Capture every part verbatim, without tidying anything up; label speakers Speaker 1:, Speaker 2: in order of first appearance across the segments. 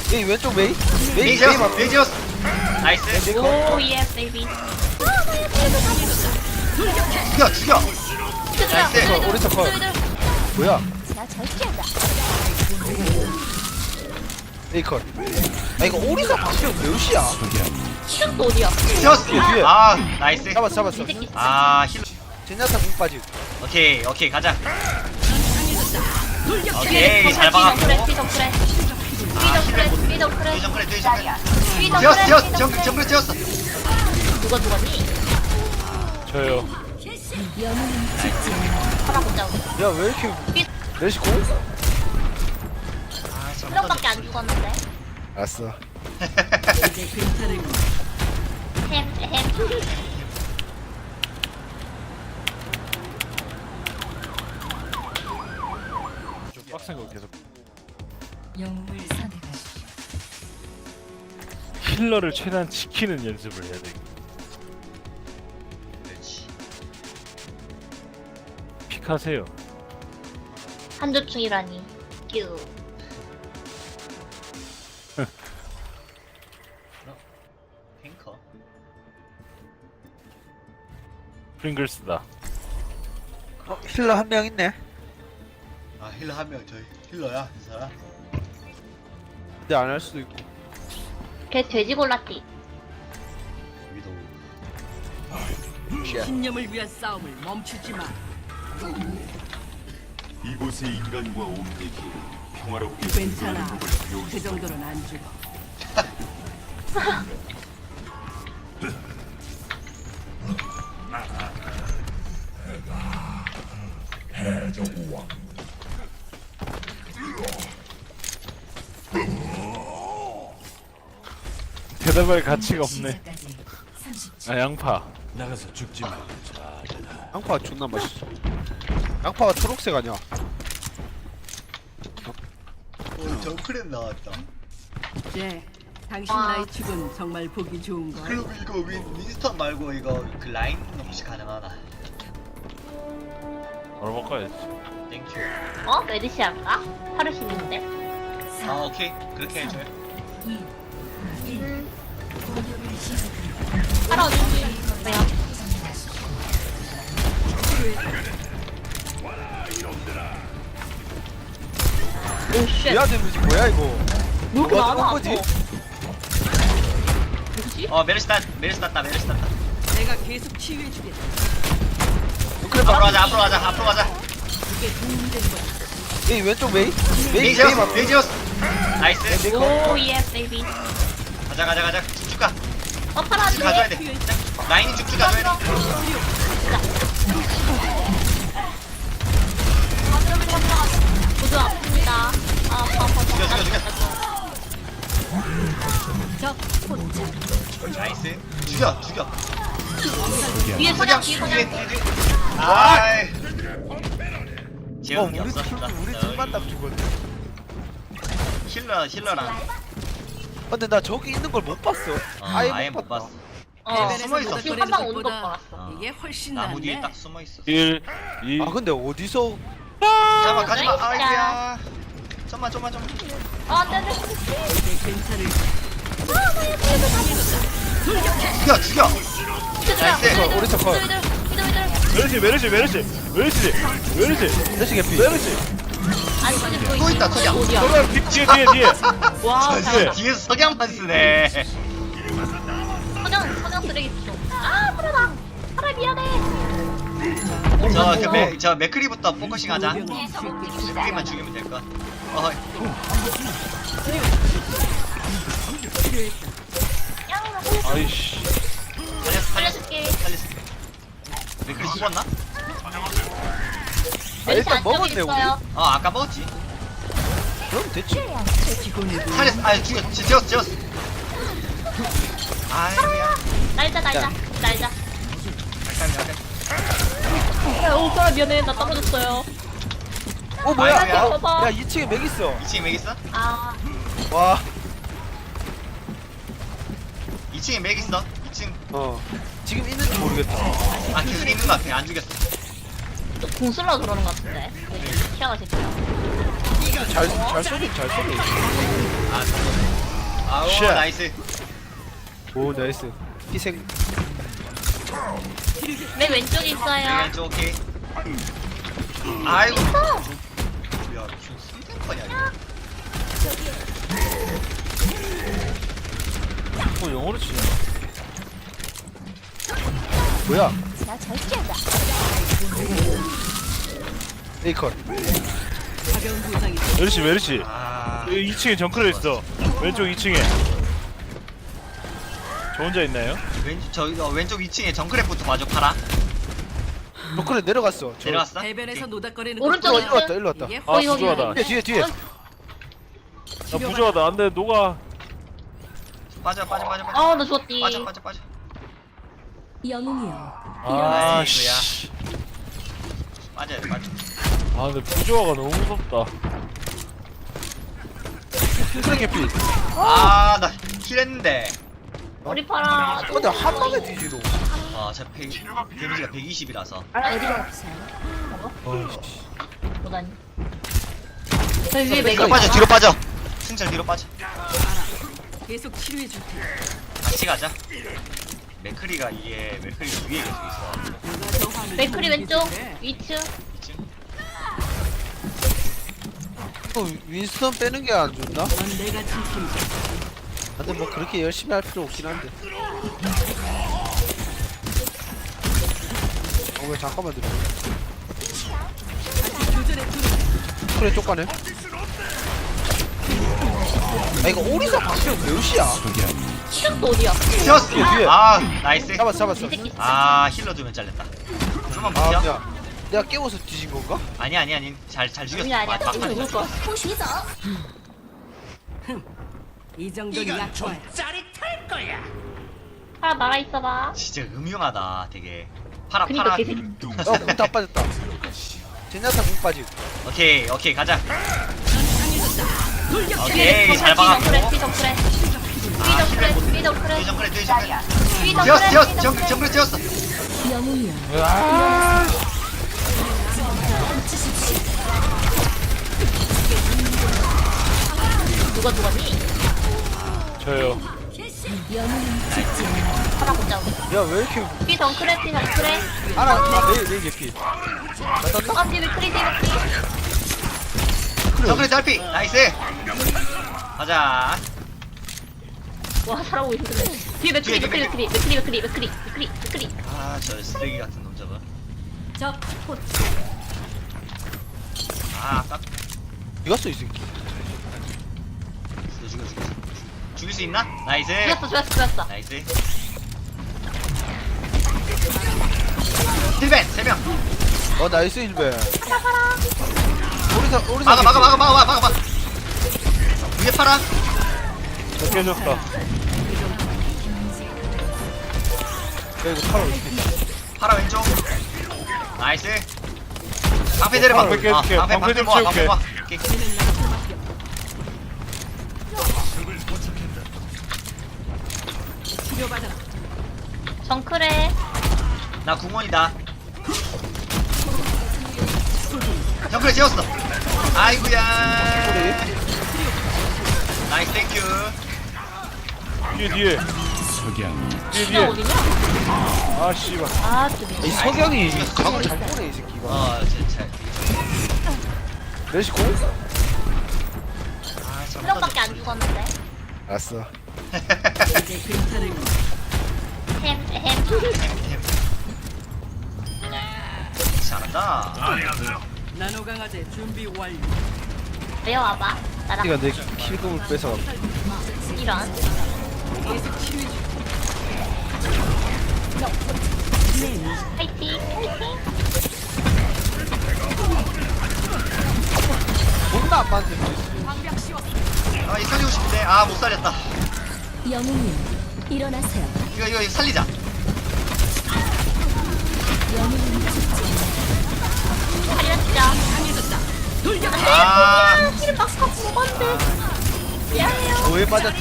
Speaker 1: 메이 왼쪽 메이 메이
Speaker 2: 메이
Speaker 1: 메이
Speaker 2: 지었어
Speaker 1: 맞
Speaker 2: 메이 지었어 나이스
Speaker 1: 메이 컷.
Speaker 3: 오 예스 베이비.
Speaker 2: 죽여 죽여 나이스
Speaker 1: 컷, 오른쪽 컷. 뭐야 메이 컷아 이거 오리사 방금 몇이야
Speaker 3: 시작도 어디야?
Speaker 2: 지었어
Speaker 1: 뒤에, 뒤에.
Speaker 2: 아 나이스
Speaker 1: 잡았어 잡았어
Speaker 3: 이 새끼.
Speaker 2: 아 힐.
Speaker 1: 젠야타 공 빠지
Speaker 2: 오케이 오케이 가자 오케이 잘 박았고
Speaker 3: 삐져 그래. 삐져 그래. 삐져 그래.
Speaker 2: 뒤 정글에 뒤 정글에
Speaker 3: 삐져
Speaker 2: 지었어
Speaker 3: 그래.
Speaker 2: 지었어 정, 정글 지었어
Speaker 3: 누가 누가니?
Speaker 4: 저요.
Speaker 3: 하나 못 잡고.
Speaker 1: 야 왜 이렇게
Speaker 3: 삐.
Speaker 1: 메시 공?
Speaker 2: 아 좀
Speaker 3: 트럭밖에 안 죽었는데.
Speaker 1: 알았어
Speaker 3: 햄 햄.
Speaker 4: 좀 빡센 거 계속.
Speaker 5: 영웅을 선택하십시오.
Speaker 4: 힐러를 최대한 지키는 연습을 해야 돼.
Speaker 2: 그렇지
Speaker 4: 픽하세요.
Speaker 3: 한조충이라니. 큐.
Speaker 2: 탱커
Speaker 4: 프링글스다.
Speaker 1: 어 힐러 한 명 있네
Speaker 2: 아 힐러 한 명 저희 힐러야 이 사람
Speaker 1: 근데 안 할 수도 있고
Speaker 3: 걔 돼지 골랐디.
Speaker 2: 위도우
Speaker 6: 신념을 위한 싸움을 멈추지 마.
Speaker 7: 이곳의 인간과 옴닉이 평화롭게
Speaker 6: 괜찮아.
Speaker 7: 사는 법을
Speaker 6: 그
Speaker 7: 배우지
Speaker 6: 정도는 안 죽어.
Speaker 4: 대답할 가치가 없네.
Speaker 5: 시작까지 삼십 초.
Speaker 4: 아 양파.
Speaker 7: 나가서 죽지 마.
Speaker 1: 양파 존나 맛있어 양파가 초록색 아니야
Speaker 2: 오 정크랩 나왔다
Speaker 6: 네. 당신
Speaker 3: 아.
Speaker 6: 나이 축은 정말 보기 좋은 걸.
Speaker 2: 그리고 이거 윈, 윈스턴 말고 이거 그 라인 혹시 가능하나
Speaker 4: 바로 바꿔야지.
Speaker 2: 땡큐
Speaker 3: 어? 메디시 할까? 하루 쉬는데.
Speaker 2: 아 오케이 그렇게 해줘요
Speaker 3: 음. 하루 어딘지. 왜요? 오 쉣.
Speaker 1: 미아 데미지 뭐야 이거
Speaker 3: 왜 이렇게
Speaker 1: 누가
Speaker 3: 많아?
Speaker 1: 거지?
Speaker 3: 뭐지?
Speaker 2: 어 메르시 땄 메르시 땄다 메르시 땄다
Speaker 6: 내가 계속 치유해주겠다.
Speaker 1: 그래
Speaker 2: 앞으로
Speaker 1: 봐
Speaker 2: 가자 앞으로 가자 앞으로 가자
Speaker 6: 그게 도움되는 거야.
Speaker 1: 메이 왼쪽 메이
Speaker 2: 메이
Speaker 1: 메이 메이
Speaker 2: 지었어
Speaker 1: 맞
Speaker 2: 메이 지었어 나이스
Speaker 1: 메이 컷
Speaker 3: 오 예스 베이비.
Speaker 2: 가자 가자 가자 쭉쭉 가
Speaker 3: 어 파라
Speaker 2: 쭉 가줘야
Speaker 3: 안돼.
Speaker 2: 돼 라인이 쭉쭉 가줘야 돼
Speaker 3: 구조 아픕니다. 아 아파 아파.
Speaker 2: 죽여 죽여 죽여
Speaker 6: 적 포착.
Speaker 2: 나이스 죽여 죽여
Speaker 3: 뒤에
Speaker 2: 석양
Speaker 3: 석양 뒤에
Speaker 2: 뒤에
Speaker 3: 석양.
Speaker 2: 뒤에 아이
Speaker 1: 어
Speaker 2: 지금
Speaker 1: 우리
Speaker 2: 없어
Speaker 1: 팀 우리 팀만 딱 죽었네
Speaker 2: 힐러 힐러랑
Speaker 1: 아, 근데 나 저기 있는 걸 못 봤어
Speaker 2: 어,
Speaker 1: 아예,
Speaker 2: 아예
Speaker 1: 못
Speaker 2: 못
Speaker 1: 봤다
Speaker 2: 봤어
Speaker 3: 어.
Speaker 2: 숨어 있었어.
Speaker 3: 지금 한 방 오는 거
Speaker 6: 것보다
Speaker 3: 봤어.
Speaker 6: 이게 훨씬
Speaker 2: 나무 뒤에
Speaker 6: 낫네.
Speaker 2: 딱 숨어 있어
Speaker 4: 일, 이.
Speaker 1: 아 근데 어디서
Speaker 2: 잠깐만 가지마
Speaker 3: 나이스.
Speaker 2: 아이고야 좀만 좀만 좀만
Speaker 3: 아 안돼
Speaker 6: 이제 괜찮을
Speaker 2: 죽여 죽여 나이스.
Speaker 1: 컷, 오른쪽 컷.
Speaker 4: 메르시 메르시 메르시 메르시 메르시
Speaker 1: 메시 개피
Speaker 4: 메르시.
Speaker 3: 아니 근데
Speaker 2: 또 있다, 석양.
Speaker 3: 어디야?
Speaker 4: 석양 뒤- 뒤에 뒤에 뒤에.
Speaker 3: 와
Speaker 2: 저
Speaker 3: 잘한다.
Speaker 2: 뒤에서 석양만 쓰네
Speaker 3: 석양 석양 쓰레기통. 아 파라다. 파라 미안해.
Speaker 2: 저그저 맥크리부터 포커싱 하자
Speaker 6: 요병은 쉽게
Speaker 2: 맥크리만 죽이면 될까 어
Speaker 4: 아이씨.
Speaker 2: 살렸어 살렸어
Speaker 3: 살려줄게.
Speaker 2: 살렸어 맥크리 죽었나?
Speaker 1: 아, 일단 먹었네 우리
Speaker 3: 있어요.
Speaker 2: 어 아까 먹었지
Speaker 1: 그럼 됐지
Speaker 2: 살렸어 아 죽였어 지웠어 지웠어 아이 미안
Speaker 3: 날자 날자 날자.
Speaker 2: 약간 약간
Speaker 3: 야, 오 파라 미안해. 나 떨어졌어요.
Speaker 1: 어 뭐야
Speaker 2: 아이고야.
Speaker 1: 야,
Speaker 3: 봐봐.
Speaker 1: 야 이 층에 맥 있어
Speaker 2: 이 층에 맥 있어?
Speaker 3: 아
Speaker 1: 와
Speaker 2: 이 층에 맥 있어? 이 층
Speaker 1: 어 지금 있는지 모르겠다
Speaker 2: 아 계속 있는 거 같아 안 죽였어
Speaker 3: 공 쓸러 그러는 것 같은데. 키아가 진짜.
Speaker 1: 잘, 잘 쏘긴 잘 쏘네
Speaker 2: 아 오
Speaker 4: 쉣.
Speaker 2: 나이스.
Speaker 1: 오 나이스. 희생.
Speaker 3: 맨 왼쪽에 있어요.
Speaker 2: 왼쪽 오케이. 아이고. 야 무슨 삼탱커냐 이거.
Speaker 4: 어 영어로 치냐?
Speaker 1: 뭐야? 에이컨.
Speaker 6: 가벼운 부상이
Speaker 4: 메르시 메르시.
Speaker 2: 아
Speaker 4: 이 층에 정크레 있어. 왼쪽 이 층에. 저 혼자 있나요?
Speaker 2: 왼쪽 저 어, 왼쪽 이 층에 정크랩부터 봐줘 파라.
Speaker 1: 너클에 내려갔어. 저-
Speaker 2: 내려왔어?
Speaker 6: 해변에서 노닥거리는
Speaker 3: 오른쪽
Speaker 6: 것도
Speaker 1: 어, 일로 왔다 일로 왔다.
Speaker 6: 이게
Speaker 4: 아
Speaker 3: 거기, 거기,
Speaker 4: 부조하다.
Speaker 3: 거기.
Speaker 1: 뒤에 뒤에 뒤에.
Speaker 4: 나 부조하다. 안돼 녹아.
Speaker 2: 빠져 빠져 빠져 빠져.
Speaker 3: 어, 나 죽었디.
Speaker 2: 빠져 빠져 빠져.
Speaker 5: 영웅이여
Speaker 4: 아
Speaker 2: 나이스야.
Speaker 4: 씨.
Speaker 2: 빠져야 돼 빠져.
Speaker 4: 아 근데 부조화가 너무 무섭다.
Speaker 1: 희생 개피.
Speaker 2: 아나 킬했는데.
Speaker 3: 우리 파라.
Speaker 1: 근데 한 방에 뒤지로.
Speaker 2: 아저 데미지가 백이십이라서.
Speaker 3: 어디가?
Speaker 1: 어이씨.
Speaker 3: 보다니. 저 위에
Speaker 2: 뒤로
Speaker 3: 맥이.
Speaker 2: 빠져 뒤로 빠져. 승철 뒤로 빠져.
Speaker 6: 계속 치료해 줄 테니
Speaker 2: 같이 가자. 맥크리가 이게 맥크리가 위에 계속 있어.
Speaker 6: 누가 더 화를
Speaker 3: 맥크리
Speaker 6: 못
Speaker 3: 왼쪽.
Speaker 6: 이기는데?
Speaker 3: 위층.
Speaker 2: 이층.
Speaker 1: 또 윈스턴 빼는 게 안 좋나?
Speaker 6: 넌 내가 지킨다.
Speaker 1: 근데 뭐 그렇게 열심히 할 필요 없긴 한데. 어, 왜 잠깐만 들어.
Speaker 6: 교전에 들어.
Speaker 1: 그래 쪽가네. 아 이거 오리사 박수형 몇이야?
Speaker 3: 시작도 어디야?
Speaker 2: 뛰었어.
Speaker 1: 뒤에, 뒤에.
Speaker 2: 아 나이스.
Speaker 1: 잡았어 잡았어.
Speaker 3: 이 새끼.
Speaker 2: 아 힐러 주면 잘렸다. 좀만
Speaker 1: 아
Speaker 2: 버텨.
Speaker 1: 야, 내가 깨워서 뒤진 건가?
Speaker 2: 아니 아니 아니 잘 잘 죽였어.
Speaker 3: 아니야, 아니야.
Speaker 2: 막-
Speaker 3: 이거
Speaker 2: 막판에
Speaker 3: 누굴
Speaker 2: 잘
Speaker 3: 거야?
Speaker 2: 죽였어.
Speaker 6: 이 정도는 약과야.
Speaker 3: 파라 나가 있어봐.
Speaker 2: 진짜 음흉하다 되게. 파라
Speaker 3: 그니까
Speaker 2: 파라.
Speaker 3: 개새끼.
Speaker 1: 어, 공다 빠졌다. 제냐타 공 빠지.
Speaker 2: 오케이 오케이 가자.
Speaker 3: 뒤에
Speaker 2: 오케이 잘
Speaker 3: 정크레,
Speaker 2: 박았고.
Speaker 3: 뒤 정크레. 뒤 정크레, 뒤 정크레.
Speaker 2: 뒤 정글에 뒤 정글에.
Speaker 3: 뒤
Speaker 2: 뛰었어
Speaker 3: 정크레,
Speaker 2: 뛰었어
Speaker 3: 뒤
Speaker 2: 정
Speaker 3: 정크레.
Speaker 2: 정글에 뛰었어.
Speaker 5: 영웅이여
Speaker 3: 누가 누가니?
Speaker 4: 저요.
Speaker 5: 영웅은 죽지 않아
Speaker 3: 파라 못 잡고.
Speaker 1: 야 왜 이렇게
Speaker 3: 뒤 정크레, 뒤 정크레.
Speaker 1: 알아? 아, 내, 내 개피. 맞았나?
Speaker 3: 아, 뒤 맥크리, 뒤 맥크리.
Speaker 2: 정글에 딸피 나이스. 가자.
Speaker 3: 와, 살아오고 있는데. 뒤에 맥크리,
Speaker 2: 뒤에,
Speaker 3: 맥크리,
Speaker 2: 뒤에,
Speaker 3: 맥크리, 맥크리, 맥크리, 맥크리, 맥크리, 맥크리.
Speaker 2: 아 저 쓰레기 같은 놈 저거.
Speaker 6: 적
Speaker 2: 아 아까
Speaker 1: 이겼어 이 새끼.
Speaker 2: 죽여 죽여 죽여. 죽일 수 있나? 나이스.
Speaker 3: 죽였어, 죽였어, 죽였어.
Speaker 2: 나이스. 힐벤 세 명.
Speaker 1: 어 나이스 힐베. 오리사 오리사.
Speaker 2: 막아 막아
Speaker 1: 개피.
Speaker 2: 막아 막아 막아 막아. 위에 파라.
Speaker 4: 저 깨졌다.
Speaker 1: 야 이거 팔아 어떻게?
Speaker 2: 파라 왼쪽. 나이스. 방패 때려봐.
Speaker 4: 방패 깨줄게.
Speaker 2: 아, 방패
Speaker 4: 방패
Speaker 2: 방패
Speaker 4: 좀
Speaker 2: 모아 방패
Speaker 4: 채울게.
Speaker 2: 모아. 오케이.
Speaker 6: 치료받아라.
Speaker 3: 정크레.
Speaker 2: 나 궁원이다. 정글에 지웠어. 아이구야.
Speaker 1: 소리.
Speaker 2: 나이스 땡큐.
Speaker 4: 뒤에 뒤에. 뒤에
Speaker 3: 진짜
Speaker 4: 뒤에.
Speaker 3: 어디냐?
Speaker 4: 아 씨발.
Speaker 3: 아, 좀.
Speaker 1: 이 석영이 강을 잘 보네 이 새끼가.
Speaker 2: 어 진짜.
Speaker 1: 레시 공?
Speaker 2: 아
Speaker 3: 한 명밖에 안 죽었는데.
Speaker 1: 알았어.
Speaker 6: 이제 괜찮을 거야.
Speaker 3: 햄, 햄.
Speaker 2: 잘한다.
Speaker 6: 나노 강화제 준비 완료.
Speaker 3: 내려와봐. 나랑
Speaker 1: 네가 내 킬금을 뺏어.
Speaker 3: 이런.
Speaker 6: 계속 치료해 줄
Speaker 3: 파이팅, 파이팅.
Speaker 1: 존나 안 맞는데.
Speaker 2: 아 이 살리고 싶은데 아 못 살렸다.
Speaker 5: 영웅이여 일어나세요
Speaker 2: 이거 이거 이거 살리자.
Speaker 5: 영웅은 죽지
Speaker 3: 살렸죠.
Speaker 2: 아
Speaker 3: 힐 막상 먹었는데. 미안해요.
Speaker 1: 뭐에 빠졌지?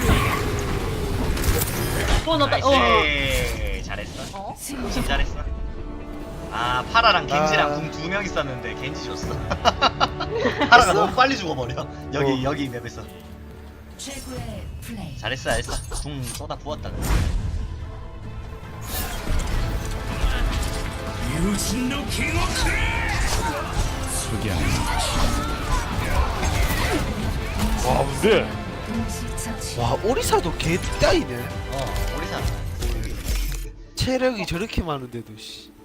Speaker 3: 어, 나, 나, 어.
Speaker 2: 나이스. 잘했어.
Speaker 3: 어?
Speaker 2: 진짜 잘했어. 아 파라랑 겐지랑
Speaker 1: 아.
Speaker 2: 궁 두 명 있었는데 겐지 줬어. 파라가 너무 빨리 죽어버려. 여기
Speaker 1: 어.
Speaker 2: 여기 맵에서.
Speaker 5: 최고의 플레이.
Speaker 2: 잘했어 잘했어. 궁 쏟아 부었다.
Speaker 4: 와 근데
Speaker 5: 동시처치.
Speaker 1: 와 오리사도 개 따이네.
Speaker 2: 어 우리 사.
Speaker 1: 체력이 저렇게 많은데도 씨.